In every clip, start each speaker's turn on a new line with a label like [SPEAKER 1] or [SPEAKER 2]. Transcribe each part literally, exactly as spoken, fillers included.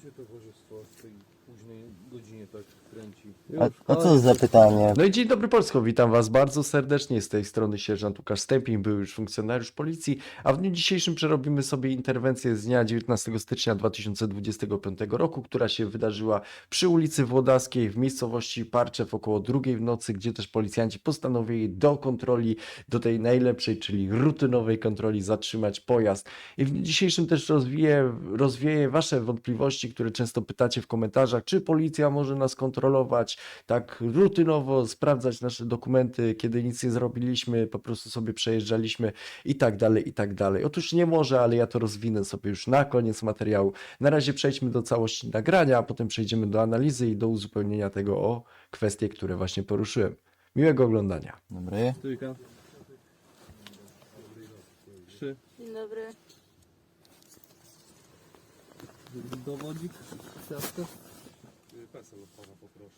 [SPEAKER 1] się towarzystwo w tej późnej godzinie tak kręci?
[SPEAKER 2] A, a co za pytanie?
[SPEAKER 3] No i dzień dobry Polsko, witam Was bardzo serdecznie. Z tej strony sierżant Łukasz Stępień, był już funkcjonariusz policji, a w dniu dzisiejszym przerobimy sobie interwencję z dnia dziewiętnastego stycznia dwa tysiące dwudziestego piątego roku, która się wydarzyła przy ulicy Włodarskiej w miejscowości Parczew około drugiej w nocy, gdzie też policjanci postanowili do kontroli, do tej najlepszej, czyli rutynowej kontroli zatrzymać pojazd. I w dniu dzisiejszym też rozwieję, rozwieję Wasze wątpliwości, które często pytacie w komentarzach, czy policja może nas kontrolować, tak rutynowo sprawdzać nasze dokumenty, kiedy nic nie zrobiliśmy, po prostu sobie przejeżdżaliśmy i tak dalej, i tak dalej. Otóż nie może, ale ja to rozwinę sobie już na koniec materiału. Na razie przejdźmy do całości nagrania, a potem przejdziemy do analizy i do uzupełnienia tego o kwestie, które właśnie poruszyłem. Miłego oglądania.
[SPEAKER 2] Dobry.
[SPEAKER 1] Trójka. Trzy.
[SPEAKER 4] Dzień dobry.
[SPEAKER 1] Dowodzik. Ciastko. PESEL od pana poproszę.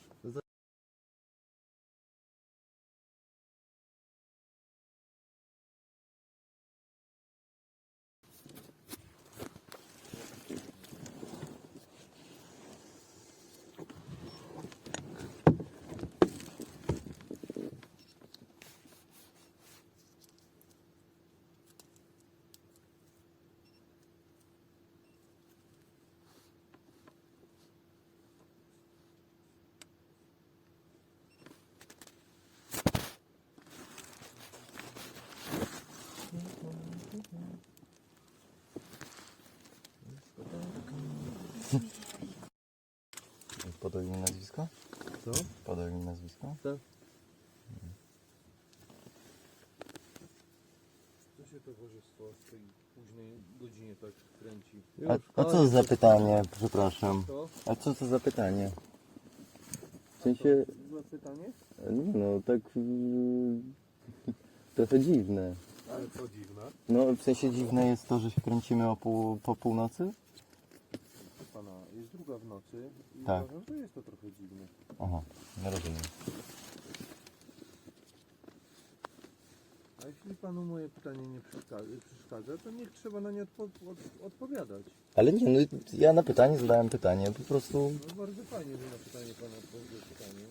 [SPEAKER 2] Podał mi nazwisko?
[SPEAKER 1] Co?
[SPEAKER 2] Podał mi nazwisko?
[SPEAKER 1] Tak. Co się towarzystwo w tej późnej godzinie tak kręci?
[SPEAKER 2] A, a co za pytanie? Przepraszam.
[SPEAKER 1] Co?
[SPEAKER 2] A co to za pytanie? W sensie,
[SPEAKER 1] Za pytanie?
[SPEAKER 2] nie no, tak yy, trochę dziwne.
[SPEAKER 1] Ale co dziwne.
[SPEAKER 2] No, w sensie dziwne jest to, że się kręcimy o pół, po północy?
[SPEAKER 1] Pana, jest druga w nocy i
[SPEAKER 2] Tak.
[SPEAKER 1] uważam, że jest to trochę dziwne.
[SPEAKER 2] Aha, nie rozumiem.
[SPEAKER 1] A jeśli panu moje pytanie nie przeszkadza, przeszkadza to niech trzeba na nie odpo od odpowiadać.
[SPEAKER 2] Ale nie, no ja na pytanie zadałem pytanie, po prostu...
[SPEAKER 1] No bardzo fajnie, że na pytanie pana odpowiedział pytanie.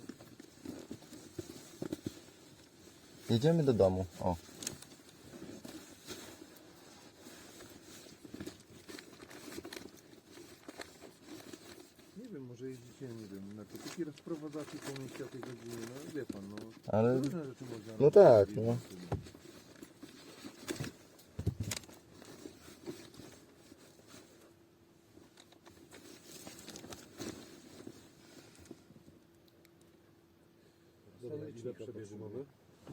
[SPEAKER 2] Jedziemy do domu, o.
[SPEAKER 1] Nie wiem, może jeździcie, nie wiem, narkotyki rozprowadzacie po mieście o tej godzinie, no wie pan, no
[SPEAKER 2] Ale...
[SPEAKER 1] różne rzeczy można
[SPEAKER 2] No tak,
[SPEAKER 1] robić.
[SPEAKER 2] no.
[SPEAKER 1] Dobra, ile przebierze mowy?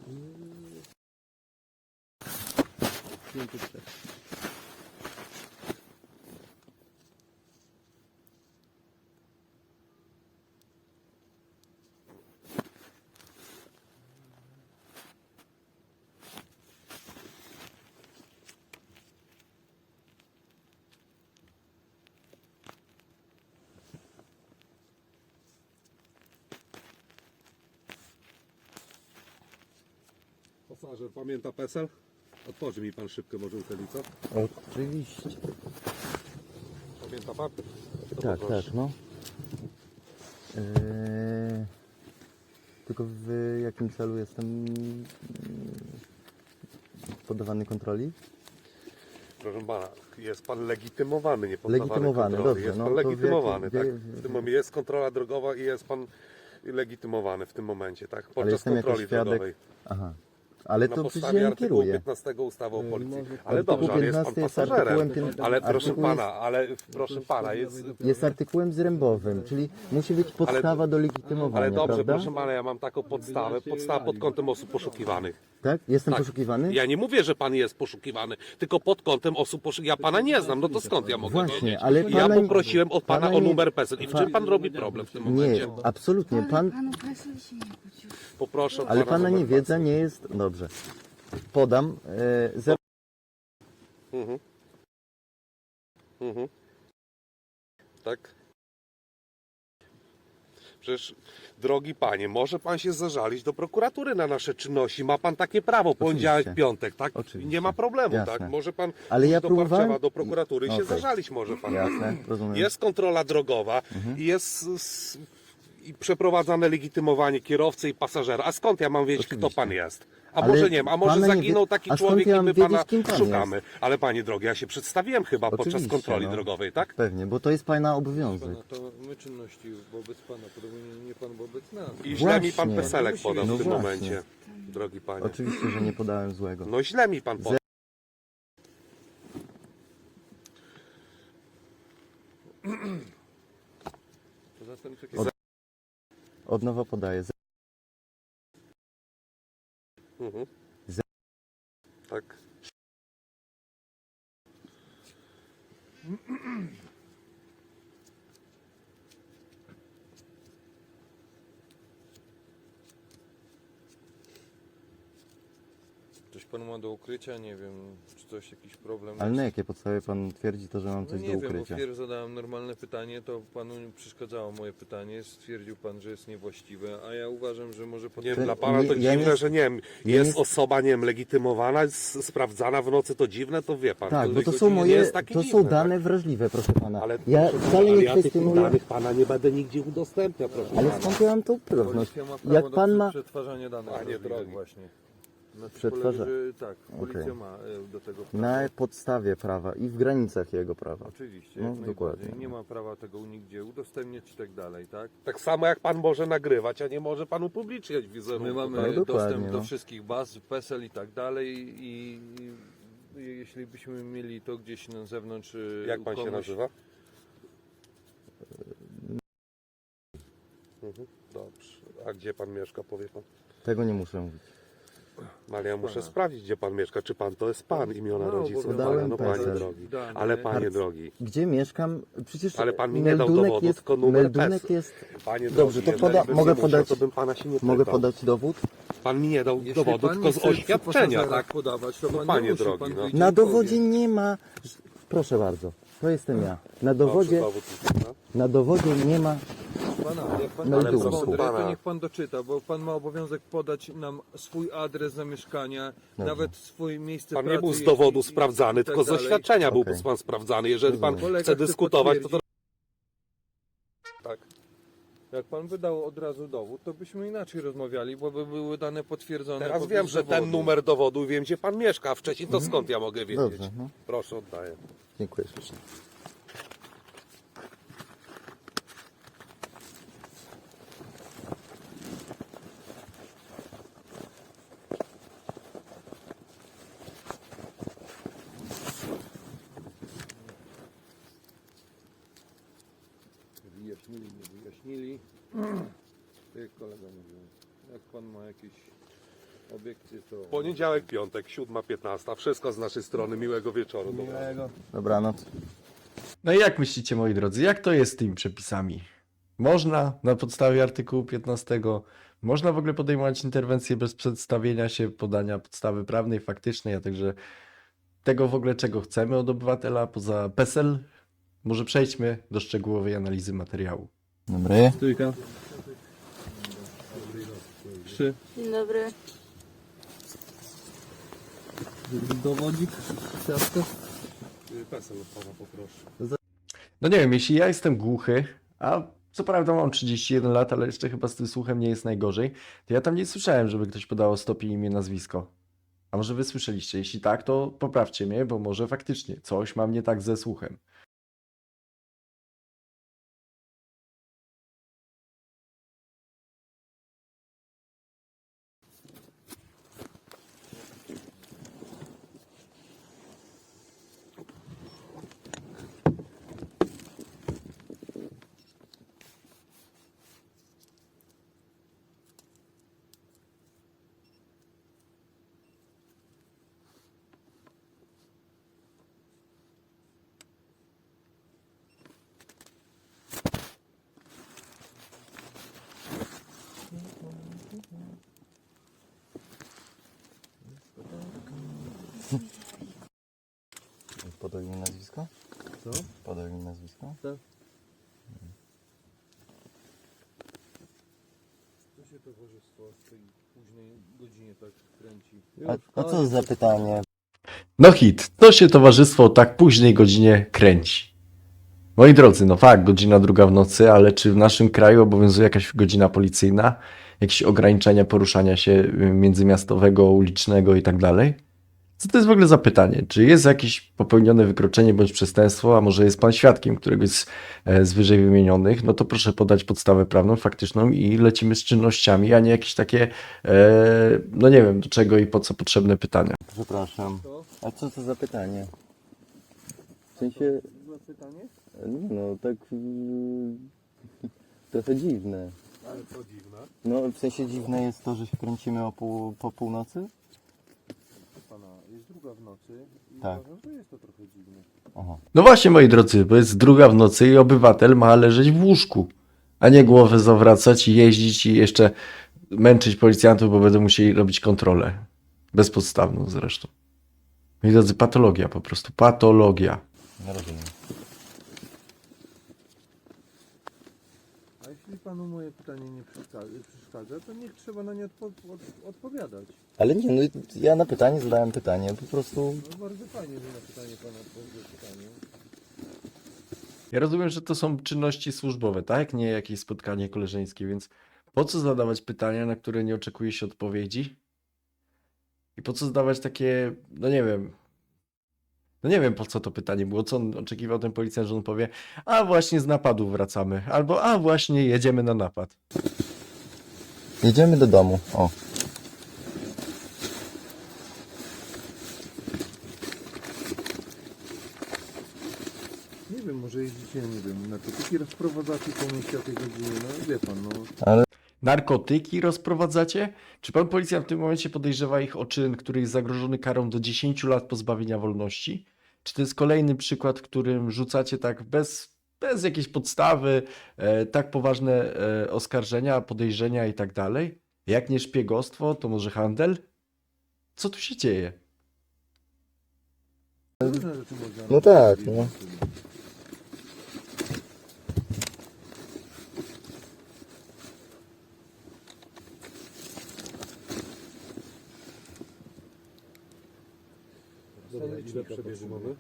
[SPEAKER 5] Pasażer pamięta PESEL? Otworzy mi pan szybkę może ulicę.
[SPEAKER 2] Oczywiście.
[SPEAKER 5] Pamięta pan? To
[SPEAKER 2] Tak,
[SPEAKER 5] poproszę.
[SPEAKER 2] tak, no. Eee, tylko w jakim celu jestem mm, poddawany kontroli?
[SPEAKER 5] Proszę pana, jest pan legitymowany, nie poddawany
[SPEAKER 2] Legitymowany,
[SPEAKER 5] kontroli.
[SPEAKER 2] dobrze,
[SPEAKER 5] Jest
[SPEAKER 2] no
[SPEAKER 5] pan
[SPEAKER 2] to w
[SPEAKER 5] legitymowany,
[SPEAKER 2] jakim-
[SPEAKER 5] tak?
[SPEAKER 2] wie-
[SPEAKER 5] W tym momencie jest kontrola drogowa i jest pan legitymowany w tym momencie, tak? Podczas
[SPEAKER 2] jestem jako
[SPEAKER 5] kontroli
[SPEAKER 2] świadek-
[SPEAKER 5] drogowej.
[SPEAKER 2] Aha. Ale
[SPEAKER 5] Na
[SPEAKER 2] to przecież
[SPEAKER 5] podstawie
[SPEAKER 2] ja nie
[SPEAKER 5] artykułu
[SPEAKER 2] kieruję.
[SPEAKER 5] piętnastego ustawy o policji.
[SPEAKER 1] może-
[SPEAKER 5] Ale
[SPEAKER 2] Artykuł
[SPEAKER 5] dobrze, ale jest pan
[SPEAKER 2] piętnasty jest
[SPEAKER 5] pasażerem.
[SPEAKER 2] artykułem pię-
[SPEAKER 5] Ale proszę
[SPEAKER 2] artykuł jest-
[SPEAKER 5] pana, ale proszę pana, jest...
[SPEAKER 2] Jest artykułem zrębowym, czyli musi być podstawa do legitymowania,
[SPEAKER 5] Ale dobrze,
[SPEAKER 2] prawda?
[SPEAKER 5] proszę pana, ja mam taką podstawę, podstawę pod kątem osób poszukiwanych.
[SPEAKER 2] Tak? Jestem
[SPEAKER 5] Tak.
[SPEAKER 2] poszukiwany?
[SPEAKER 5] Ja nie mówię, że pan jest poszukiwany, tylko pod kątem osób poszukiwanych. Ja pana nie znam, no to skąd ja mogę
[SPEAKER 2] Właśnie,
[SPEAKER 5] wiedzieć?
[SPEAKER 2] ale
[SPEAKER 5] Ja
[SPEAKER 2] pana-
[SPEAKER 5] poprosiłem od pana,
[SPEAKER 2] pana
[SPEAKER 5] o
[SPEAKER 2] nie-
[SPEAKER 5] numer PESEL. I w
[SPEAKER 2] pa-
[SPEAKER 5] czym pan robi problem w tym momencie?
[SPEAKER 2] Nie, absolutnie. Pan,
[SPEAKER 4] Panu PESEL się nie kłócił.
[SPEAKER 5] Poproszę od
[SPEAKER 2] ale
[SPEAKER 5] pana
[SPEAKER 2] pana
[SPEAKER 5] numer
[SPEAKER 2] niewiedza nie jest... Dobrze. Podam. E, zero...
[SPEAKER 5] PESEL. Mhm. Mhm. Tak? Przecież, drogi panie, może pan się zażalić do prokuratury na nasze czynności. Ma pan takie prawo, poniedziałek,
[SPEAKER 2] Oczywiście.
[SPEAKER 5] piątek, tak?
[SPEAKER 2] Oczywiście.
[SPEAKER 5] Nie ma problemu,
[SPEAKER 2] Jasne.
[SPEAKER 5] tak? Może pan
[SPEAKER 2] Ale ja
[SPEAKER 5] do
[SPEAKER 2] próbowałem-
[SPEAKER 5] Parczewa, do prokuratury i się
[SPEAKER 2] Okej.
[SPEAKER 5] zażalić może pan.
[SPEAKER 2] Jasne, rozumiem.
[SPEAKER 5] Jest kontrola drogowa i jest s- i przeprowadzane legitymowanie kierowcy i pasażera. A skąd ja mam wiedzieć, kto
[SPEAKER 2] Oczywiście.
[SPEAKER 5] pan jest? A
[SPEAKER 2] Ale
[SPEAKER 5] może nie wiem, a może
[SPEAKER 2] pana nie
[SPEAKER 5] zaginął
[SPEAKER 2] wie-
[SPEAKER 5] taki
[SPEAKER 2] a skąd
[SPEAKER 5] człowiek
[SPEAKER 2] ja
[SPEAKER 5] i
[SPEAKER 2] mam
[SPEAKER 5] my
[SPEAKER 2] wiedzieć,
[SPEAKER 5] pana
[SPEAKER 2] kim pan
[SPEAKER 5] szukamy. Ale panie drogi, ja się przedstawiłem chyba podczas
[SPEAKER 2] Oczywiście,
[SPEAKER 5] kontroli
[SPEAKER 2] no.
[SPEAKER 5] drogowej, tak?
[SPEAKER 2] Pewnie, bo to jest pana obowiązek.
[SPEAKER 1] Pana, to my czynności wobec pana, podobnie nie pan wobec nas.
[SPEAKER 5] I źle mi pan
[SPEAKER 2] Właśnie.
[SPEAKER 5] peselek podał
[SPEAKER 2] No
[SPEAKER 5] w tym
[SPEAKER 2] właśnie.
[SPEAKER 5] momencie, drogi panie.
[SPEAKER 2] Oczywiście, że nie podałem złego.
[SPEAKER 5] No źle mi pan podał.
[SPEAKER 1] Poza tym takie
[SPEAKER 2] Od- Od nowa podaję.
[SPEAKER 5] Mhm.
[SPEAKER 2] Ze-
[SPEAKER 5] Tak.
[SPEAKER 1] coś pan ma do ukrycia, nie wiem, czy coś, jakiś problem
[SPEAKER 2] Ale
[SPEAKER 1] jest.
[SPEAKER 2] na jakie podstawie pan twierdzi to, że mam
[SPEAKER 1] No
[SPEAKER 2] coś
[SPEAKER 1] nie
[SPEAKER 2] do
[SPEAKER 1] wiem,
[SPEAKER 2] ukrycia?
[SPEAKER 1] bo wpierw zadałem normalne pytanie, to panu nie przeszkadzało moje pytanie, stwierdził pan, że jest niewłaściwe, a ja uważam, że może pan...
[SPEAKER 5] Nie,
[SPEAKER 2] To-
[SPEAKER 5] dla pana to
[SPEAKER 2] nie- ja
[SPEAKER 5] dziwne,
[SPEAKER 2] nie-
[SPEAKER 5] że nie wiem,
[SPEAKER 2] ja
[SPEAKER 5] jest
[SPEAKER 2] nie-
[SPEAKER 5] osoba, nie wiem, legitymowana, s- sprawdzana w nocy, to dziwne, to wie pan.
[SPEAKER 2] Tak,
[SPEAKER 5] to
[SPEAKER 2] bo to
[SPEAKER 5] jego
[SPEAKER 2] są
[SPEAKER 5] nie
[SPEAKER 2] moje,
[SPEAKER 5] jest takie
[SPEAKER 2] to
[SPEAKER 5] dziwne,
[SPEAKER 2] są dane wrażliwe, proszę pana.
[SPEAKER 5] Tak? Ale,
[SPEAKER 2] Ja
[SPEAKER 5] proszę
[SPEAKER 2] wcale
[SPEAKER 5] pana,
[SPEAKER 2] nie
[SPEAKER 5] ja tych
[SPEAKER 2] kwestionuję,
[SPEAKER 5] danych pana nie będę nigdzie udostępniał, proszę
[SPEAKER 2] ale
[SPEAKER 5] pana.
[SPEAKER 2] skąd ja mam tą pewność?
[SPEAKER 1] Policja ma prawo
[SPEAKER 2] Jak
[SPEAKER 1] do
[SPEAKER 2] pan ma...
[SPEAKER 1] przetwarzania danych
[SPEAKER 5] Panie
[SPEAKER 1] wrażliwych
[SPEAKER 5] drogi.
[SPEAKER 1] właśnie. Na tym
[SPEAKER 2] Przetwarza-
[SPEAKER 1] polega, że tak, policja
[SPEAKER 2] Okej.
[SPEAKER 1] ma e, do tego prawo.
[SPEAKER 2] Na podstawie prawa i w granicach jego prawa.
[SPEAKER 1] Oczywiście,
[SPEAKER 2] No,
[SPEAKER 1] jak najbardziej.
[SPEAKER 2] dokładnie.
[SPEAKER 1] Nie ma prawa tego nigdzie udostępniać i tak dalej, tak?
[SPEAKER 5] Tak samo jak pan może nagrywać, a nie może pan upubliczniać wizerunku.
[SPEAKER 1] My mamy
[SPEAKER 2] No, dokładnie,
[SPEAKER 1] dostęp do
[SPEAKER 2] no.
[SPEAKER 1] wszystkich baz, PESEL i tak dalej i, i jeśli byśmy mieli to gdzieś na zewnątrz... e,
[SPEAKER 5] Jak
[SPEAKER 1] u
[SPEAKER 5] pan się
[SPEAKER 1] kogoś-
[SPEAKER 5] nazywa? Mhm, dobrze. A gdzie pan mieszka, powie pan?
[SPEAKER 2] Tego nie muszę mówić.
[SPEAKER 5] No, ale ja muszę
[SPEAKER 1] Pana.
[SPEAKER 5] sprawdzić, gdzie pan mieszka. Czy pan to jest pan, imiona
[SPEAKER 1] No,
[SPEAKER 5] rodziców?
[SPEAKER 1] bo
[SPEAKER 5] Pana,
[SPEAKER 2] podałem
[SPEAKER 5] no panie
[SPEAKER 2] PESEL.
[SPEAKER 5] drogi.
[SPEAKER 1] Dane.
[SPEAKER 5] Ale panie
[SPEAKER 2] Harc-
[SPEAKER 5] drogi,
[SPEAKER 2] Gdzie mieszkam? Przecież
[SPEAKER 5] Ale pan mi nie dał
[SPEAKER 2] meldunek
[SPEAKER 5] dowodu,
[SPEAKER 2] jest,
[SPEAKER 5] tylko numer
[SPEAKER 2] meldunek
[SPEAKER 5] PESEL.
[SPEAKER 2] jest...
[SPEAKER 5] panie
[SPEAKER 2] Dobrze,
[SPEAKER 5] drogi,
[SPEAKER 2] to
[SPEAKER 5] jeżeli
[SPEAKER 2] poda-
[SPEAKER 5] bym
[SPEAKER 2] mogę
[SPEAKER 5] nie musiał,
[SPEAKER 2] podać-
[SPEAKER 5] to bym pana się nie
[SPEAKER 2] Mogę
[SPEAKER 5] pytał.
[SPEAKER 2] podać dowód?
[SPEAKER 5] Pan mi nie dał
[SPEAKER 1] Jeśli
[SPEAKER 5] dowodu,
[SPEAKER 1] pan
[SPEAKER 5] tylko
[SPEAKER 1] nie
[SPEAKER 5] z
[SPEAKER 1] chce
[SPEAKER 5] oświadczenia,
[SPEAKER 1] pasażera
[SPEAKER 5] tak?
[SPEAKER 1] podawać, to
[SPEAKER 5] No,
[SPEAKER 1] pan
[SPEAKER 5] panie
[SPEAKER 1] nie musi,
[SPEAKER 5] drogi,
[SPEAKER 1] pan
[SPEAKER 5] no.
[SPEAKER 1] wyjdzie
[SPEAKER 2] Na
[SPEAKER 1] i powie.
[SPEAKER 2] dowodzie nie ma... Proszę bardzo, to jestem ja. Na dowodzie,
[SPEAKER 5] Dobrze, dowód jest, no.
[SPEAKER 2] na dowodzie nie ma...
[SPEAKER 1] Pana, jak pan
[SPEAKER 2] Ale
[SPEAKER 1] jest
[SPEAKER 2] proszę
[SPEAKER 1] mądry,
[SPEAKER 5] pana.
[SPEAKER 1] to niech pan doczyta, bo pan ma obowiązek podać nam swój adres zamieszkania, nawet swoje miejsce
[SPEAKER 5] Pan
[SPEAKER 1] pracy.
[SPEAKER 5] nie był z
[SPEAKER 1] jeśli-
[SPEAKER 5] dowodu
[SPEAKER 1] i
[SPEAKER 5] sprawdzany,
[SPEAKER 1] tak
[SPEAKER 5] tylko z
[SPEAKER 1] dalej.
[SPEAKER 5] oświadczenia był
[SPEAKER 2] Okej.
[SPEAKER 5] pan sprawdzany. Jeżeli pan
[SPEAKER 2] Rozumiem.
[SPEAKER 1] Kolega
[SPEAKER 5] chce
[SPEAKER 1] chce
[SPEAKER 5] dyskutować, to to... Tak.
[SPEAKER 1] Jak pan wydał od razu dowód, to byśmy inaczej rozmawiali, bo by były dane potwierdzone.
[SPEAKER 5] Teraz
[SPEAKER 1] poprzez
[SPEAKER 5] wiem, że ten
[SPEAKER 1] dowodu.
[SPEAKER 5] numer dowodu, wiem gdzie pan mieszka, a wcześniej to skąd ja mogę wiedzieć?
[SPEAKER 2] Dobrze, no.
[SPEAKER 5] Proszę, oddaję.
[SPEAKER 2] Dziękuję ślicznie.
[SPEAKER 1] Wyjaśnili, nie wyjaśnili. Tak jak kolega mówił, jak pan ma jakieś obiekcje, to...
[SPEAKER 5] Poniedziałek, piątek, siódma piętnasta. Wszystko z naszej strony. Miłego wieczoru.
[SPEAKER 1] Miłego.
[SPEAKER 2] Dobranoc.
[SPEAKER 3] No i jak myślicie, moi drodzy, jak to jest z tymi przepisami? Można na podstawie artykułu piętnastego, można w ogóle podejmować interwencje bez przedstawienia się, podania podstawy prawnej, faktycznej, a także tego w ogóle, czego chcemy od obywatela poza PESEL? Może przejdźmy do szczegółowej analizy materiału.
[SPEAKER 2] Dobry.
[SPEAKER 1] Trójka. Trzy.
[SPEAKER 4] Dzień dobry.
[SPEAKER 1] Dowodzik. Ciastko.
[SPEAKER 5] PESEL od pana poproszę.
[SPEAKER 3] No nie wiem, jeśli ja jestem głuchy, a co prawda mam trzydzieści jeden lat, ale jeszcze chyba z tym słuchem nie jest najgorzej, to ja tam nie słyszałem, żeby ktoś podało stopień, imię, nazwisko. A może wy słyszeliście? Jeśli tak, to poprawcie mnie, bo może faktycznie coś mam nie tak ze słuchem.
[SPEAKER 2] Podaj mi nazwisko?
[SPEAKER 1] Co?
[SPEAKER 2] Podaj mi nazwisko?
[SPEAKER 1] Tak. towarzystwo w tej późnej godzinie tak kręci?
[SPEAKER 2] A, a co za pytanie?
[SPEAKER 3] No hit, to się towarzystwo o tak późnej godzinie kręci. Moi drodzy, no fakt, godzina druga w nocy, ale czy w naszym kraju obowiązuje jakaś godzina policyjna? Jakieś ograniczenia poruszania się y, międzymiastowego, ulicznego i tak dalej? Co to jest w ogóle za pytanie? Czy jest jakieś popełnione wykroczenie bądź przestępstwo, a może jest pan świadkiem któregoś z, e, z wyżej wymienionych? No to proszę podać podstawę prawną, faktyczną i lecimy z czynnościami, a nie jakieś takie, e, no nie wiem, do czego i po co potrzebne pytania.
[SPEAKER 2] Przepraszam.
[SPEAKER 1] To?
[SPEAKER 2] A co to za pytanie? W sensie,
[SPEAKER 1] Złe pytanie?
[SPEAKER 2] nie no, tak yy, trochę dziwne.
[SPEAKER 5] Ale co dziwne.
[SPEAKER 2] No, w sensie dziwne jest to, że się kręcimy o pół, po północy?
[SPEAKER 1] Pana, jest druga w nocy i
[SPEAKER 2] Tak.
[SPEAKER 1] uważam, że jest to trochę dziwne.
[SPEAKER 2] Aha.
[SPEAKER 3] No właśnie, moi drodzy, bo jest druga w nocy i obywatel ma leżeć w łóżku, a nie głowę zawracać i jeździć i jeszcze męczyć policjantów, bo będą musieli robić kontrolę. Bezpodstawną zresztą. Moi drodzy, patologia po prostu, patologia.
[SPEAKER 2] Nie rozumiem.
[SPEAKER 1] A jeśli panu moje pytanie nie przeszkadza, przeszkadza to niech trzeba na nie odpo od odpowiadać.
[SPEAKER 2] Ale nie, no ja na pytanie zadałem pytanie, po prostu...
[SPEAKER 1] No bardzo fajnie, że na pytanie pana odpowiedział pytanie.
[SPEAKER 3] Ja rozumiem, że to są czynności służbowe, tak? Nie jakieś spotkanie koleżeńskie, więc po co zadawać pytania, na które nie oczekuje się odpowiedzi? I po co zadawać takie, no nie wiem, no nie wiem po co to pytanie było, co on oczekiwał ten policjant, że on powie, a właśnie z napadu wracamy, albo a właśnie jedziemy na napad.
[SPEAKER 2] Jedziemy do domu, o.
[SPEAKER 1] Nie wiem, może jeździcie, nie wiem, narkotyki rozprowadzacie po mieście o tej godzinie, no wie pan, no.
[SPEAKER 2] Ale
[SPEAKER 3] Narkotyki rozprowadzacie? Czy pan policjant w tym momencie podejrzewa ich o czyn, który jest zagrożony karą do dziesięciu lat pozbawienia wolności? Czy to jest kolejny przykład, w którym rzucacie tak bez, bez jakiejś podstawy e, tak poważne e, oskarżenia, podejrzenia i tak dalej? Jak nie szpiegostwo, to może handel? Co tu się dzieje?
[SPEAKER 1] Różne rzeczy można
[SPEAKER 2] No tak,
[SPEAKER 1] robić.
[SPEAKER 2] no.
[SPEAKER 5] Dobra, ile przebieży mamy?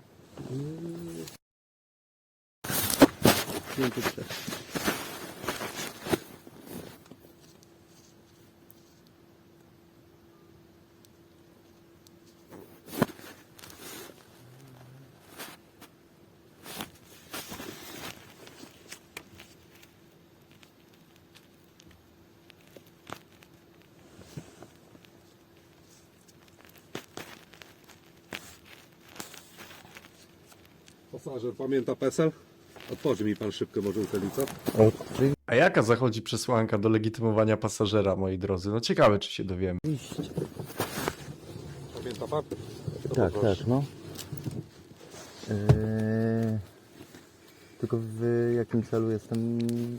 [SPEAKER 5] Pasażer pamięta PESEL? Otworzy mi pan szybkę może uczelnicę.
[SPEAKER 2] oczywiście.
[SPEAKER 3] A jaka zachodzi przesłanka do legitymowania pasażera, moi drodzy? No ciekawe, czy się dowiemy.
[SPEAKER 5] Pamięta pan? To
[SPEAKER 2] Tak,
[SPEAKER 5] poproszę.
[SPEAKER 2] tak, no. Eee, tylko w jakim celu jestem mm,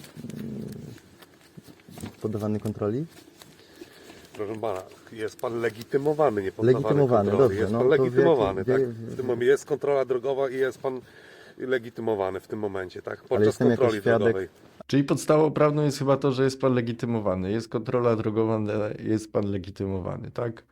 [SPEAKER 2] poddawany kontroli?
[SPEAKER 5] Proszę pana, jest pan legitymowany, nie poddawany
[SPEAKER 2] Legitymowany,
[SPEAKER 5] kontroli.
[SPEAKER 2] dobrze,
[SPEAKER 5] Jest
[SPEAKER 2] no
[SPEAKER 5] pan
[SPEAKER 2] to w
[SPEAKER 5] legitymowany,
[SPEAKER 2] jakim-
[SPEAKER 5] tak?
[SPEAKER 2] w-
[SPEAKER 5] W tym momencie jest kontrola drogowa i jest pan legitymowany w tym momencie, tak? Podczas
[SPEAKER 2] jestem jako
[SPEAKER 5] kontroli
[SPEAKER 2] świadek.
[SPEAKER 5] drogowej.
[SPEAKER 3] Czyli podstawą prawną jest chyba to, że jest pan legitymowany. Jest kontrola drogowa, ale jest pan legitymowany, tak?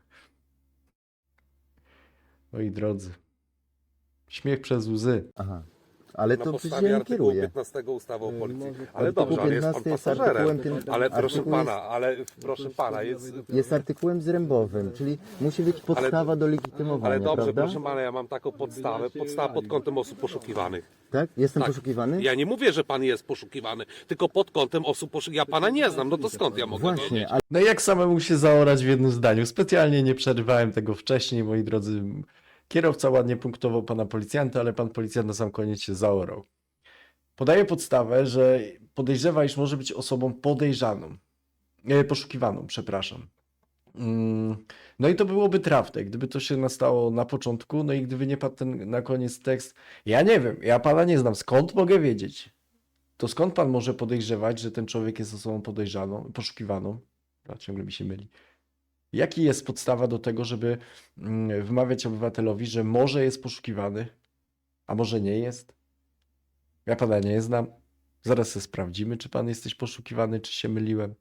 [SPEAKER 3] Moi drodzy. Śmiech przez łzy.
[SPEAKER 2] Aha. Ale
[SPEAKER 5] Na
[SPEAKER 2] to przecież
[SPEAKER 5] podstawie
[SPEAKER 2] ja nie
[SPEAKER 5] artykułu
[SPEAKER 2] kieruję.
[SPEAKER 5] piętnastego ustawy o policji.
[SPEAKER 1] może-
[SPEAKER 5] Ale
[SPEAKER 2] Artykuł
[SPEAKER 5] dobrze, ale jest pan
[SPEAKER 2] piętnasty jest
[SPEAKER 5] pasażerem.
[SPEAKER 2] artykułem pię-
[SPEAKER 5] Ale proszę
[SPEAKER 2] artykuł
[SPEAKER 5] pana,
[SPEAKER 2] jest-
[SPEAKER 5] ale proszę pana, jest...
[SPEAKER 2] Jest artykułem zrębowym, czyli musi być podstawa do legitymowania,
[SPEAKER 5] Ale dobrze,
[SPEAKER 2] prawda?
[SPEAKER 5] proszę pana, ja mam taką podstawę, podstawa pod kątem osób poszukiwanych.
[SPEAKER 2] Tak? Jestem
[SPEAKER 5] Tak.
[SPEAKER 2] poszukiwany?
[SPEAKER 5] Ja nie mówię, że pan jest poszukiwany, tylko pod kątem osób poszukiwanych. Ja pana nie znam, no to skąd ja mogę wiedzieć?
[SPEAKER 2] Właśnie, ale
[SPEAKER 3] No i jak samemu się zaorać w jednym zdaniu? Specjalnie nie przerywałem tego wcześniej, moi drodzy. Kierowca ładnie punktował pana policjanta, ale pan policjant na sam koniec się zaorał. Podaję podstawę, że podejrzewa, iż może być osobą podejrzaną. E, poszukiwaną, przepraszam. Mm, No i to byłoby trafne, gdyby to się nastało na początku, no i gdyby nie padł ten na koniec tekst. Ja nie wiem, ja pana nie znam, skąd mogę wiedzieć? To skąd pan może podejrzewać, że ten człowiek jest osobą podejrzaną, poszukiwaną? A ciągle mi się myli. Jaki jest podstawa do tego, żeby mm, wmawiać obywatelowi, że może jest poszukiwany, a może nie jest? Ja pana nie znam. Zaraz sobie sprawdzimy, czy pan jesteś poszukiwany, czy się myliłem.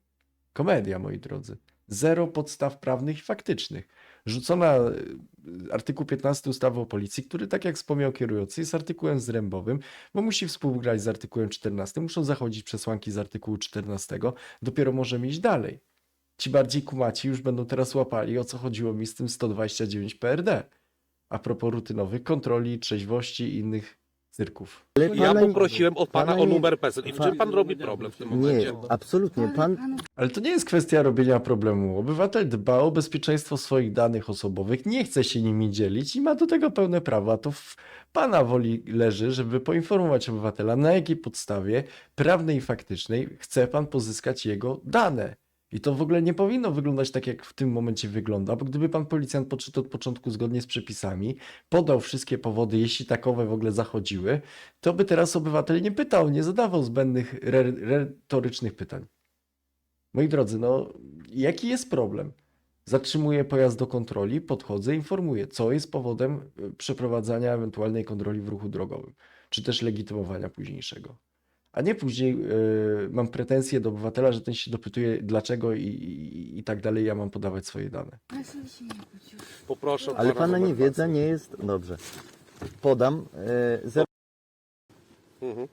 [SPEAKER 3] Komedia, moi drodzy. Zero podstaw prawnych i faktycznych. Rzucona y, artykuł piętnasty ustawy o policji, który, tak jak wspomniał kierujący, jest artykułem zrębowym, bo musi współgrać z artykułem czternastym, muszą zachodzić przesłanki z artykułu czternastego, dopiero możemy iść dalej. Ci bardziej kumaci już będą teraz łapali, o co chodziło mi z tym sto dwadzieścia dziewięć P R D. A propos rutynowych kontroli, trzeźwości i innych cyrków.
[SPEAKER 2] Ale
[SPEAKER 5] Ja
[SPEAKER 2] pana-
[SPEAKER 5] poprosiłem od pana,
[SPEAKER 2] pana
[SPEAKER 5] o
[SPEAKER 2] nie-
[SPEAKER 5] numer PESEL. I w
[SPEAKER 2] pan-
[SPEAKER 5] czym pan robi problem w tym
[SPEAKER 2] Nie,
[SPEAKER 5] momencie?
[SPEAKER 2] absolutnie. Pan,
[SPEAKER 3] Ale to nie jest kwestia robienia problemu. Obywatel dba o bezpieczeństwo swoich danych osobowych, nie chce się nimi dzielić i ma do tego pełne prawo. A to w pana woli leży, żeby poinformować obywatela, na jakiej podstawie prawnej i faktycznej chce pan pozyskać jego dane. I to w ogóle nie powinno wyglądać tak, jak w tym momencie wygląda, bo gdyby pan policjant podszedł od początku zgodnie z przepisami, podał wszystkie powody, jeśli takowe w ogóle zachodziły, to by teraz obywatel nie pytał, nie zadawał zbędnych re- retorycznych pytań. Moi drodzy, no jaki jest problem? Zatrzymuję pojazd do kontroli, podchodzę, informuję, co jest powodem y, przeprowadzania ewentualnej kontroli w ruchu drogowym, czy też legitymowania późniejszego. A nie później y, mam pretensje do obywatela, że ten się dopytuje dlaczego i, i, i tak dalej, ja mam podawać swoje dane.
[SPEAKER 5] Poproszę
[SPEAKER 2] ale pana
[SPEAKER 5] numer
[SPEAKER 2] niewiedza
[SPEAKER 5] PESEL.
[SPEAKER 2] nie jest... Dobrze. Podam. E, zero...
[SPEAKER 5] Mhm.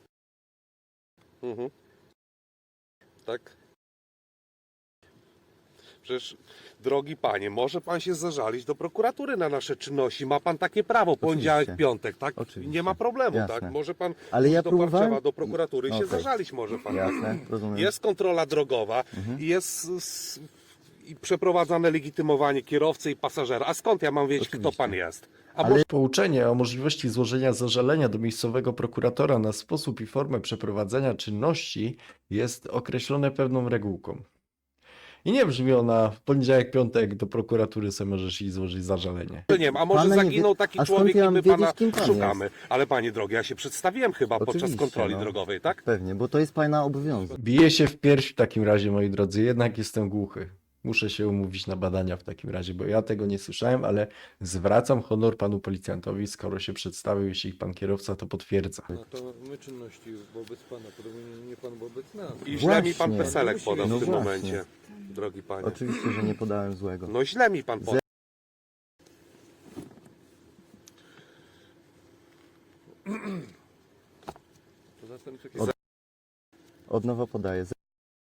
[SPEAKER 5] Mhm. Tak? Przecież, drogi panie, może pan się zażalić do prokuratury na nasze czynności. Ma pan takie prawo, poniedziałek,
[SPEAKER 2] Oczywiście.
[SPEAKER 5] piątek, tak?
[SPEAKER 2] Oczywiście.
[SPEAKER 5] Nie ma problemu,
[SPEAKER 2] Jasne.
[SPEAKER 5] tak? Może pan
[SPEAKER 2] Ale ja
[SPEAKER 5] do
[SPEAKER 2] próbowałem-
[SPEAKER 5] Warszawa, do prokuratury i się
[SPEAKER 2] Okej.
[SPEAKER 5] zażalić może pan.
[SPEAKER 2] Jasne, rozumiem.
[SPEAKER 5] Jest kontrola drogowa
[SPEAKER 2] Mhm.
[SPEAKER 5] i jest s- i przeprowadzane legitymowanie kierowcy i pasażera. A skąd ja mam wiedzieć, kto
[SPEAKER 2] Oczywiście.
[SPEAKER 5] pan jest? A
[SPEAKER 2] Ale-
[SPEAKER 3] Pouczenie o możliwości złożenia zażalenia do miejscowego prokuratora na sposób i formę przeprowadzenia czynności jest określone pewną regułką. I nie brzmi ona w poniedziałek, piątek do prokuratury sobie możesz iść złożyć zażalenie.
[SPEAKER 5] nie wiem, a może
[SPEAKER 2] Pana nie
[SPEAKER 5] zaginął
[SPEAKER 2] wie-
[SPEAKER 5] taki
[SPEAKER 2] a skąd
[SPEAKER 5] człowiek
[SPEAKER 2] ja
[SPEAKER 5] i
[SPEAKER 2] mam
[SPEAKER 5] my
[SPEAKER 2] wiedzieć,
[SPEAKER 5] pana
[SPEAKER 2] kim pan
[SPEAKER 5] szukamy. Ale panie drogi, ja się przedstawiłem chyba podczas
[SPEAKER 2] Oczywiście,
[SPEAKER 5] kontroli
[SPEAKER 2] no.
[SPEAKER 5] drogowej, tak?
[SPEAKER 2] Pewnie, bo to jest pana obowiązek.
[SPEAKER 3] Biję się w pierś w takim razie, moi drodzy, jednak jestem głuchy. Muszę się umówić na badania w takim razie, bo ja tego nie słyszałem, ale zwracam honor panu policjantowi, skoro się przedstawił, jeśli pan kierowca to potwierdza.
[SPEAKER 1] No to my czynności wobec pana, podobnie nie pan wobec nas.
[SPEAKER 5] I źle mi pan
[SPEAKER 2] Właśnie.
[SPEAKER 5] peselek podał
[SPEAKER 2] No
[SPEAKER 5] w tym
[SPEAKER 2] właśnie.
[SPEAKER 5] momencie, drogi panie.
[SPEAKER 2] Oczywiście, że nie podałem złego.
[SPEAKER 5] No źle mi pan podał.
[SPEAKER 1] Poza tym takie
[SPEAKER 2] Od- Od nowa podaję. Ze-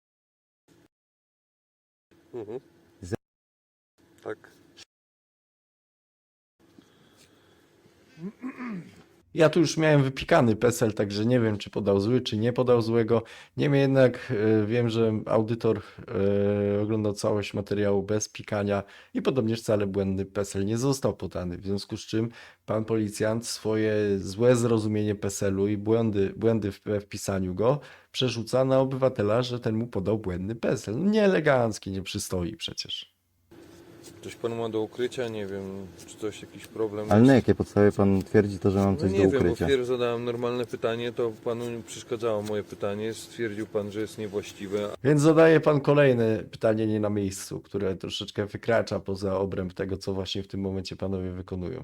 [SPEAKER 5] Mhm.
[SPEAKER 2] Ze-
[SPEAKER 5] Tak.
[SPEAKER 3] Ja tu już miałem wypikany PESEL, także nie wiem, czy podał zły, czy nie podał złego. Niemniej jednak e, wiem, że audytor e, oglądał całość materiału bez pikania i podobnież wcale błędny PESEL nie został podany. W związku z czym pan policjant swoje złe zrozumienie PESEL-u i błędy, błędy w, we wpisaniu go przerzuca na obywatela, że ten mu podał błędny PESEL. No, nieelegancki, nie przystoi przecież.
[SPEAKER 1] coś pan ma do ukrycia, nie wiem, czy coś, jakiś problem.
[SPEAKER 2] Ale na jakiej podstawie pan twierdzi to, że mam
[SPEAKER 1] No
[SPEAKER 2] coś
[SPEAKER 1] nie
[SPEAKER 2] do
[SPEAKER 1] wiem, bo
[SPEAKER 2] ukrycia?
[SPEAKER 1] wpierw zadałem normalne pytanie, to panu przeszkadzało moje pytanie, stwierdził pan, że jest niewłaściwe.
[SPEAKER 3] Więc zadaje pan kolejne pytanie nie na miejscu, które troszeczkę wykracza poza obręb tego, co właśnie w tym momencie panowie wykonują.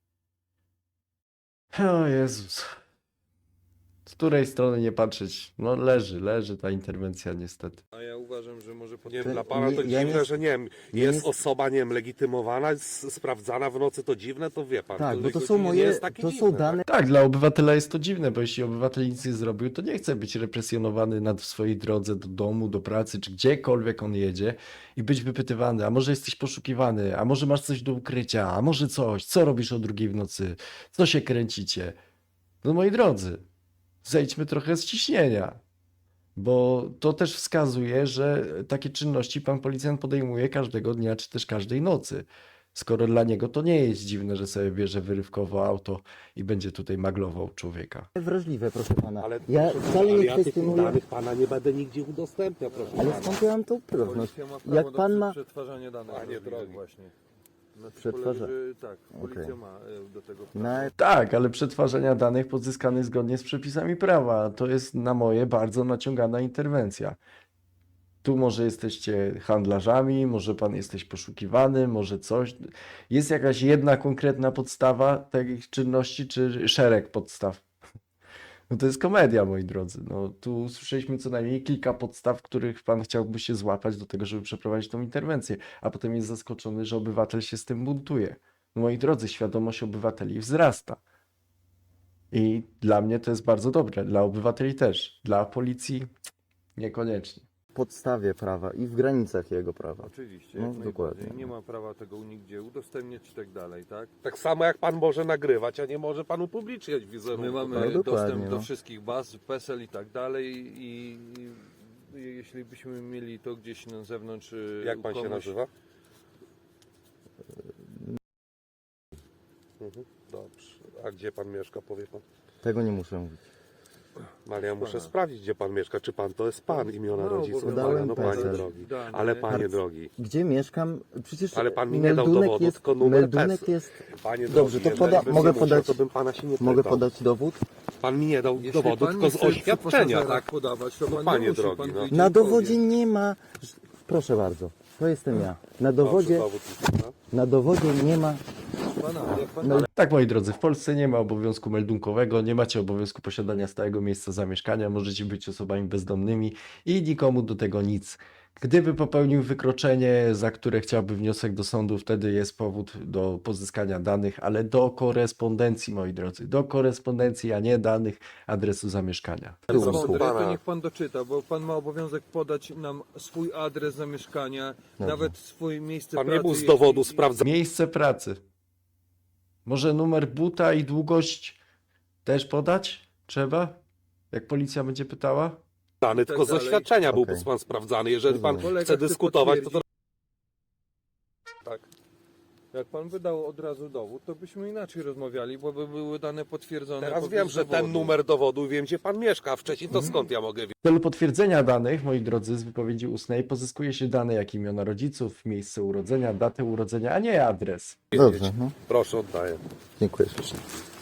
[SPEAKER 3] O Jezus. Z której strony nie patrzeć? No leży, leży ta interwencja niestety.
[SPEAKER 1] A ja uważam, że może pan...
[SPEAKER 5] Nie,
[SPEAKER 2] To
[SPEAKER 5] dla pana to
[SPEAKER 2] nie- ja
[SPEAKER 5] dziwne,
[SPEAKER 2] nie-
[SPEAKER 5] że nie wiem,
[SPEAKER 2] ja
[SPEAKER 5] jest
[SPEAKER 2] nie-
[SPEAKER 5] osoba, nie wiem, legitymowana, s- sprawdzana w nocy, to dziwne, to wie pan.
[SPEAKER 2] Tak, bo to
[SPEAKER 5] jakoś
[SPEAKER 2] są
[SPEAKER 5] nie
[SPEAKER 2] moje,
[SPEAKER 5] jest takie
[SPEAKER 2] to
[SPEAKER 5] dziwne,
[SPEAKER 2] są
[SPEAKER 5] tak?
[SPEAKER 2] dane.
[SPEAKER 3] Tak, dla obywatela jest to dziwne, bo jeśli obywatel nic nie zrobił, to nie chce być represjonowany nad w swojej drodze do domu, do pracy, czy gdziekolwiek on jedzie i być wypytywany, a może jesteś poszukiwany, a może masz coś do ukrycia, a może coś, co robisz o drugiej w nocy, co się kręcicie. No moi drodzy, zejdźmy trochę z ciśnienia, bo to też wskazuje, że takie czynności pan policjant podejmuje każdego dnia, czy też każdej nocy. Skoro dla niego to nie jest dziwne, że sobie bierze wyrywkowo auto i będzie tutaj maglował człowieka.
[SPEAKER 2] Wrażliwe, proszę pana.
[SPEAKER 5] Ale,
[SPEAKER 2] Ja
[SPEAKER 5] proszę
[SPEAKER 2] wcale
[SPEAKER 5] pana,
[SPEAKER 2] nie
[SPEAKER 5] ja tych
[SPEAKER 2] kwestionuję.
[SPEAKER 5] danych pana nie będę nigdzie udostępniał, proszę
[SPEAKER 2] Ale
[SPEAKER 5] pana.
[SPEAKER 2] skąd ja mam tą pewność?
[SPEAKER 1] Policja ma prawo
[SPEAKER 2] Jak
[SPEAKER 1] do
[SPEAKER 2] pan ma...
[SPEAKER 1] przetwarzania danych.
[SPEAKER 5] Panie
[SPEAKER 1] wrażliwych
[SPEAKER 5] drogi.
[SPEAKER 1] Właśnie. Na tym
[SPEAKER 2] Przetwarza-
[SPEAKER 1] polega, że tak, policja
[SPEAKER 2] Okej.
[SPEAKER 1] ma e, do tego prawo.
[SPEAKER 2] Na...
[SPEAKER 3] Tak, ale przetwarzania danych pozyskanych zgodnie z przepisami prawa to jest na moje bardzo naciągana interwencja. Tu może jesteście handlarzami, może pan jesteś poszukiwany, może coś. Jest jakaś jedna konkretna podstawa takich czynności, czy szereg podstaw? No to jest komedia, moi drodzy. No tu usłyszeliśmy co najmniej kilka podstaw, których pan chciałby się złapać do tego, żeby przeprowadzić tą interwencję, a potem jest zaskoczony, że obywatel się z tym buntuje. No moi drodzy, świadomość obywateli wzrasta. I dla mnie to jest bardzo dobre, dla obywateli też, dla policji niekoniecznie.
[SPEAKER 2] W podstawie prawa i w granicach jego prawa.
[SPEAKER 1] Oczywiście,
[SPEAKER 2] No,
[SPEAKER 1] jak
[SPEAKER 2] dokładnie.
[SPEAKER 1] najbardziej. Nie ma prawa tego nigdzie udostępniać i tak dalej, tak?
[SPEAKER 5] Tak samo jak pan może nagrywać, a nie może pan upubliczniać wizerunku.
[SPEAKER 1] My mamy
[SPEAKER 5] tak?
[SPEAKER 2] No, dokładnie,
[SPEAKER 1] dostęp do
[SPEAKER 2] no.
[SPEAKER 1] wszystkich baz, PESEL i tak dalej i, i jeśli byśmy mieli to gdzieś na zewnątrz... y,
[SPEAKER 5] Jak
[SPEAKER 1] u
[SPEAKER 5] pan się
[SPEAKER 1] kogoś-
[SPEAKER 5] nazywa? Mhm, dobrze. A gdzie pan mieszka, powie pan?
[SPEAKER 2] Tego nie muszę mówić.
[SPEAKER 5] No, ale ja muszę
[SPEAKER 1] Pana.
[SPEAKER 5] sprawdzić, gdzie pan mieszka. Czy pan to jest pan, imiona
[SPEAKER 1] No,
[SPEAKER 5] rodziców?
[SPEAKER 1] bo
[SPEAKER 2] podałem
[SPEAKER 5] Pana, no panie
[SPEAKER 2] PESEL.
[SPEAKER 5] drogi.
[SPEAKER 1] Dane.
[SPEAKER 5] Ale panie
[SPEAKER 2] Bardzo-
[SPEAKER 5] drogi,
[SPEAKER 2] Gdzie mieszkam? Przecież
[SPEAKER 5] Ale pan mi nie dał
[SPEAKER 2] meldunek
[SPEAKER 5] dowodu,
[SPEAKER 2] jest,
[SPEAKER 5] tylko numer
[SPEAKER 2] meldunek
[SPEAKER 5] PESEL.
[SPEAKER 2] jest...
[SPEAKER 5] panie
[SPEAKER 2] Dobrze,
[SPEAKER 5] drogi,
[SPEAKER 2] to poda-
[SPEAKER 5] jeżeli
[SPEAKER 2] mogę
[SPEAKER 5] bym musiał,
[SPEAKER 2] podać-
[SPEAKER 5] to bym pana się nie
[SPEAKER 2] Mogę
[SPEAKER 5] pytał.
[SPEAKER 2] podać dowód?
[SPEAKER 5] Pan mi nie dał
[SPEAKER 1] Jeśli
[SPEAKER 5] dowodu,
[SPEAKER 1] pan
[SPEAKER 5] tylko
[SPEAKER 1] nie
[SPEAKER 5] z
[SPEAKER 1] chce przy
[SPEAKER 5] oświadczenia,
[SPEAKER 1] pasażerach
[SPEAKER 5] tak?
[SPEAKER 1] podawać, to
[SPEAKER 5] No,
[SPEAKER 1] pan
[SPEAKER 5] panie
[SPEAKER 1] nie musi,
[SPEAKER 5] drogi,
[SPEAKER 1] pan
[SPEAKER 5] no.
[SPEAKER 1] wyjdzie
[SPEAKER 2] Na
[SPEAKER 1] i powie.
[SPEAKER 2] dowodzie nie ma... Proszę bardzo, to jestem ja. Na dowodzie,
[SPEAKER 5] Dobrze, dowód, no.
[SPEAKER 2] na dowodzie nie ma...
[SPEAKER 1] Pana, jak pan
[SPEAKER 2] No,
[SPEAKER 3] Tak, moi drodzy, w Polsce nie ma obowiązku meldunkowego, nie macie obowiązku posiadania stałego miejsca zamieszkania, możecie być osobami bezdomnymi i nikomu do tego nic. Gdyby popełnił wykroczenie, za które chciałby wniosek do sądu, wtedy jest powód do pozyskania danych, ale do korespondencji, moi drodzy, do korespondencji, a nie danych adresu zamieszkania.
[SPEAKER 1] jest
[SPEAKER 2] Proszę
[SPEAKER 1] mądry,
[SPEAKER 5] pana.
[SPEAKER 1] to niech pan doczyta, bo pan ma obowiązek podać nam swój adres zamieszkania, nawet swój miejsce
[SPEAKER 5] Pan
[SPEAKER 1] pracy.
[SPEAKER 5] nie był z
[SPEAKER 1] jeśli-
[SPEAKER 5] dowodu sprawdzany.
[SPEAKER 3] Miejsce pracy. Może numer buta i długość też podać? Trzeba? Jak policja będzie pytała?
[SPEAKER 5] Dany, tylko z
[SPEAKER 1] dalej.
[SPEAKER 5] oświadczenia byłby
[SPEAKER 2] Okej.
[SPEAKER 5] pan sprawdzany. Jeżeli pan
[SPEAKER 2] Rozumiem.
[SPEAKER 1] Kolega
[SPEAKER 5] chce
[SPEAKER 1] chce
[SPEAKER 5] dyskutować, to, to
[SPEAKER 1] Tak. Jak pan wydał od razu dowód, to byśmy inaczej rozmawiali, bo by były dane potwierdzone.
[SPEAKER 5] teraz
[SPEAKER 1] poprzez
[SPEAKER 5] wiem, że ten
[SPEAKER 1] dowodu.
[SPEAKER 5] numer dowodu, wiem gdzie pan mieszka, a wcześniej to skąd ja mogę wiedzieć?
[SPEAKER 3] W celu potwierdzenia danych, moi drodzy, z wypowiedzi ustnej pozyskuje się dane jak imiona rodziców, miejsce urodzenia, datę urodzenia, a nie adres.
[SPEAKER 2] Dobrze, no.
[SPEAKER 5] Proszę, oddaję.
[SPEAKER 2] Dziękuję ślicznie.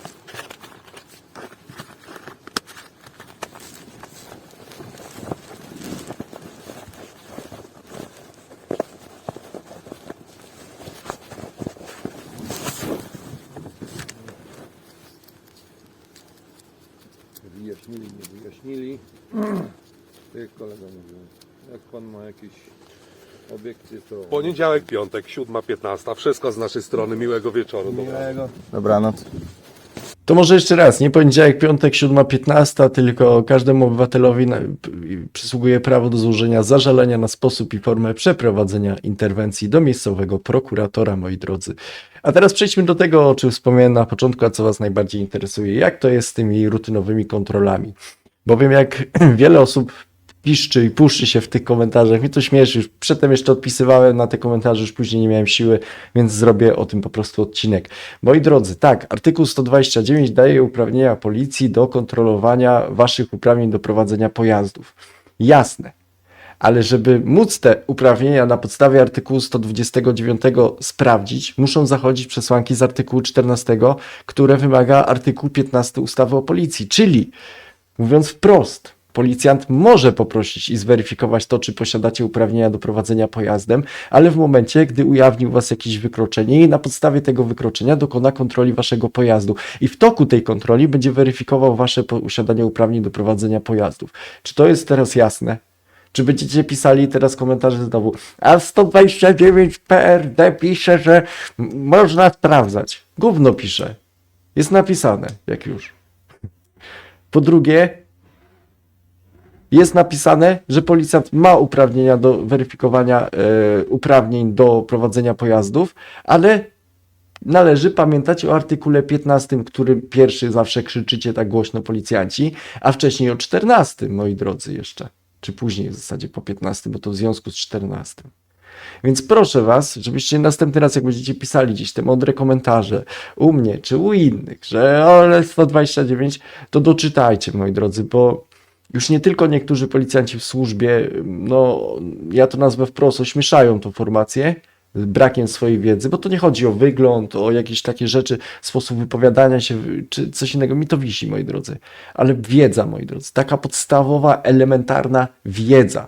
[SPEAKER 1] Wyjaśnili, nie wyjaśnili. Tak jak kolega mówił. Jak pan ma jakieś obiekcje, to...
[SPEAKER 5] Poniedziałek, piątek, siódma piętnasta. Wszystko z naszej strony. Miłego wieczoru. Dobranoc.
[SPEAKER 2] Dobranoc.
[SPEAKER 3] To może jeszcze raz, nie poniedziałek, piątek, siódma piętnasta, tylko każdemu obywatelowi na, p- przysługuje prawo do złożenia zażalenia na sposób i formę przeprowadzenia interwencji do miejscowego prokuratora, moi drodzy. A teraz przejdźmy do tego, o czym wspomniałem na początku, a co Was najbardziej interesuje. Jak to jest z tymi rutynowymi kontrolami? Bowiem jak wiele osób piszczy i puszczy się w tych komentarzach, mi to śmieszy, już przedtem jeszcze odpisywałem na te komentarze, już później nie miałem siły, więc zrobię o tym po prostu odcinek. Moi drodzy, tak, artykuł sto dwadzieścia dziewięć daje uprawnienia policji do kontrolowania waszych uprawnień do prowadzenia pojazdów. Jasne, ale żeby móc te uprawnienia na podstawie artykułu sto dwudziestego dziewiątego sprawdzić, muszą zachodzić przesłanki z artykułu czternastego, które wymaga artykuł piętnasty ustawy o policji, czyli mówiąc wprost, policjant może poprosić i zweryfikować to, czy posiadacie uprawnienia do prowadzenia pojazdem, ale w momencie, gdy ujawni u was jakieś wykroczenie i na podstawie tego wykroczenia dokona kontroli waszego pojazdu. I w toku tej kontroli będzie weryfikował wasze posiadanie uprawnień do prowadzenia pojazdów. Czy to jest teraz jasne? Czy będziecie pisali teraz komentarze znowu, a sto dwadzieścia dziewięć P R D pisze, że m- można sprawdzać. Gówno pisze. Jest napisane, jak już. Po drugie, jest napisane, że policjant ma uprawnienia do weryfikowania e, uprawnień do prowadzenia pojazdów, ale należy pamiętać o artykule piętnastym, który pierwszy zawsze krzyczycie tak głośno policjanci, a wcześniej o czternastym, moi drodzy, jeszcze. Czy później w zasadzie po piętnastym, bo to w związku z czternastym. Więc proszę was, żebyście następny raz, jak będziecie pisali gdzieś te mądre komentarze u mnie czy u innych, że ale sto dwadzieścia dziewięć, to doczytajcie, moi drodzy, bo już nie tylko niektórzy policjanci w służbie, no ja to nazwę wprost, ośmieszają tą formację brakiem swojej wiedzy, bo to nie chodzi o wygląd, o jakieś takie rzeczy, sposób wypowiadania się, czy coś innego. Mi to wisi, moi drodzy. Ale wiedza, moi drodzy, taka podstawowa, elementarna wiedza,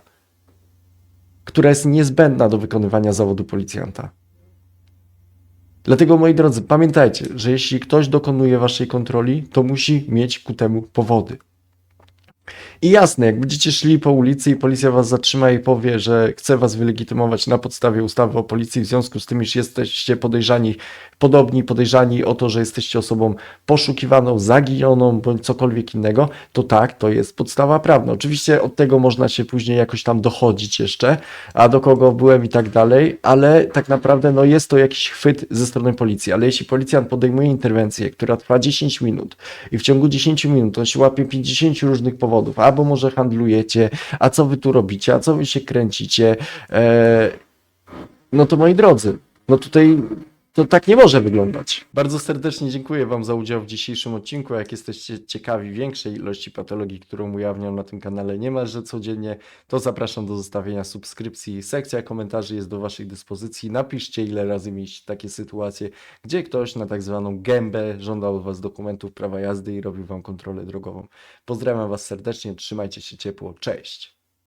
[SPEAKER 3] która jest niezbędna do wykonywania zawodu policjanta. Dlatego, moi drodzy, pamiętajcie, że jeśli ktoś dokonuje waszej kontroli, to musi mieć ku temu powody. I jasne, jak będziecie szli po ulicy i policja was zatrzyma i powie, że chce was wylegitymować na podstawie ustawy o policji, w związku z tym, iż jesteście podejrzani, podobni podejrzani o to, że jesteście osobą poszukiwaną, zaginioną bądź cokolwiek innego, to tak, to jest podstawa prawna. Oczywiście od tego można się później jakoś tam dochodzić jeszcze, a do kogo byłem i tak dalej, ale tak naprawdę no jest to jakiś chwyt ze strony policji, ale jeśli policjant podejmuje interwencję, która trwa dziesięć minut i w ciągu dziesięć minut on się łapie pięćdziesiąt różnych powodów, albo może handlujecie, a co wy tu robicie, a co wy się kręcicie, e, no to moi drodzy, no tutaj to tak nie może wyglądać. Bardzo serdecznie dziękuję wam za udział w dzisiejszym odcinku. Jak jesteście ciekawi większej ilości patologii, którą ujawniam na tym kanale niemalże codziennie, to zapraszam do zostawienia subskrypcji. Sekcja komentarzy jest do waszej dyspozycji. Napiszcie, ile razy mieliście takie sytuacje, gdzie ktoś na tak zwaną gębę żądał od was dokumentów prawa jazdy i robił wam kontrolę drogową. Pozdrawiam was serdecznie, trzymajcie się ciepło, cześć!